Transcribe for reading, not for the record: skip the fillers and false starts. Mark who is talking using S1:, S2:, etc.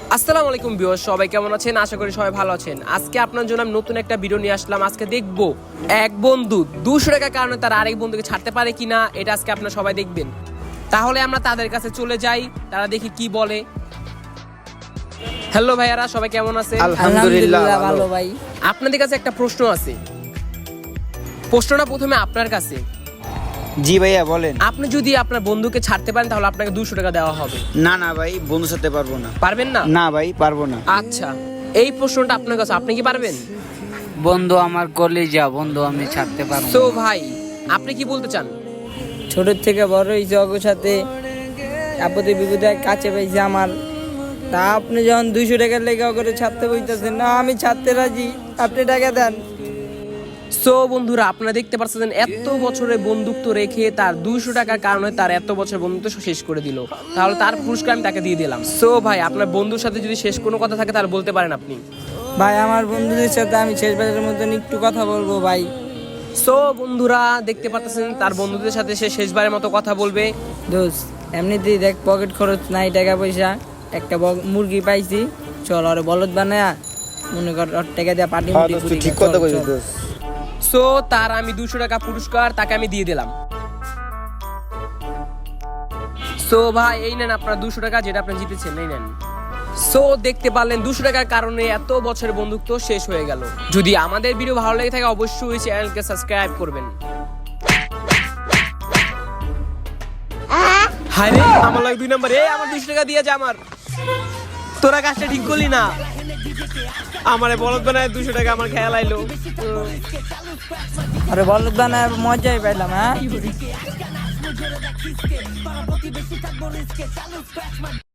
S1: আসসালামু আলাইকুম ভিউয়ার্স, সবাই কেমন আছেন? আশা করি সবাই ভালো আছেন। আজকে আপনার জন্য আমি নতুন একটা ভিডিও নিয়ে আসলাম। আজকে দেখবো এক বন্ধু 200 টাকার কারণে তার আরেক বন্ধুকে ছাড়তে পারে কিনা, এটা আজকে আপনারা সবাই দেখবেন। তাহলে আমরা তাদের কাছে চলে যাই, তারা দেখি কি বলে। হ্যালো ভাইয়ারা, সবাই কেমন আছে?
S2: আলহামদুলিল্লাহ ভালো ভাই।
S1: আপনাদের কাছে একটা প্রশ্ন আছে। প্রশ্নটা প্রথমে আপনার কাছে।
S3: জি ভাইয়া বলেন।
S1: আপনি যদি আপনার বন্ধুকে ছাড়তে পারেন তাহলে আপনাকে 200 টাকা দেওয়া হবে।
S3: না না ভাই, বন্ধুর সাথে পারবো না।
S1: পারবেন না?
S3: না ভাই, পারবো না।
S1: আচ্ছা, এই প্রশ্নটা আপনার কাছে, আপনি কি পারবেন?
S2: বন্ধু আমার কলেজা, বন্ধু আমি ছাড়তে পারবো
S1: তো
S2: না।
S1: ভাই, আপনি কি বলতে চান?
S4: ছোট থেকে বড় হয়েছে ওর সাথে, আপদে বিপদে কাছে পাইছে আমার। তা আপনি যখন 200 টাকার লেগে করে ছাড়তে বইতেছেন, না আমি ছাড়তে রাজি, আপনি টাকা দেন।
S1: সো বন্ধুরা, আপনারা দেখতে পাচ্ছেন এত বছরের বন্ধুত্ব রেখে তার 200 টাকার কারণে তার এত বছর বন্ধুত্ব শেষ করে দিল। তাহলে তার পুরস্কার আমি তাকে দিয়ে দিলাম। সো ভাই, আপনার বন্ধুর সাথে যদি শেষ কোনো কথা থাকে তাহলে বলতে পারেন আপনি।
S4: ভাই আমার বন্ধুদের সাথে আমি শেষবারের মতন একটু কথা বলবো ভাই।
S1: সো বন্ধুরা, দেখতে পাচ্ছেন তার বন্ধুদের সাথে সে শেষবারের মতো কথা বলবে।
S4: দোস্ত এমনিতেই দেখ পকেট খরচ নাই, টাকা পয়সা, একটা মুরগি পাইছি, চল আর বলদ বানায়া মনে কর ওর টাকা দিয়ে পাটি মুটি
S3: দোস্ত,
S4: করি।
S3: ঠিক কথা কইছিস দোস্ত।
S1: সো তার আমি 200 টাকা পুরস্কার তাকে আমি দিয়ে দিলাম। সো ভাই, এই নেন আপনার 200 টাকা, যেটা আপনি জিতেছেন, এই নেন। সো দেখতে পারলেন 200 টাকার কারণে এত বছরের বন্ধুত্ব শেষ হয়ে গেল। যদি আমাদের ভিডিও ভালো লেগে থাকে অবশ্যই চ্যানেলকে সাবস্ক্রাইব করবেন। হায় রে, আমার লাগে 2 নাম্বার। আমার 200 টাকা দিয়ে যা। আমার তোরা কাজটা ঠিক করলি না। আমারে বলদ বানায় 200 টাকা আমার খেয়াল আইলো।
S4: আরে বলদ বানায় মজাই পাইলাম। হ্যাঁ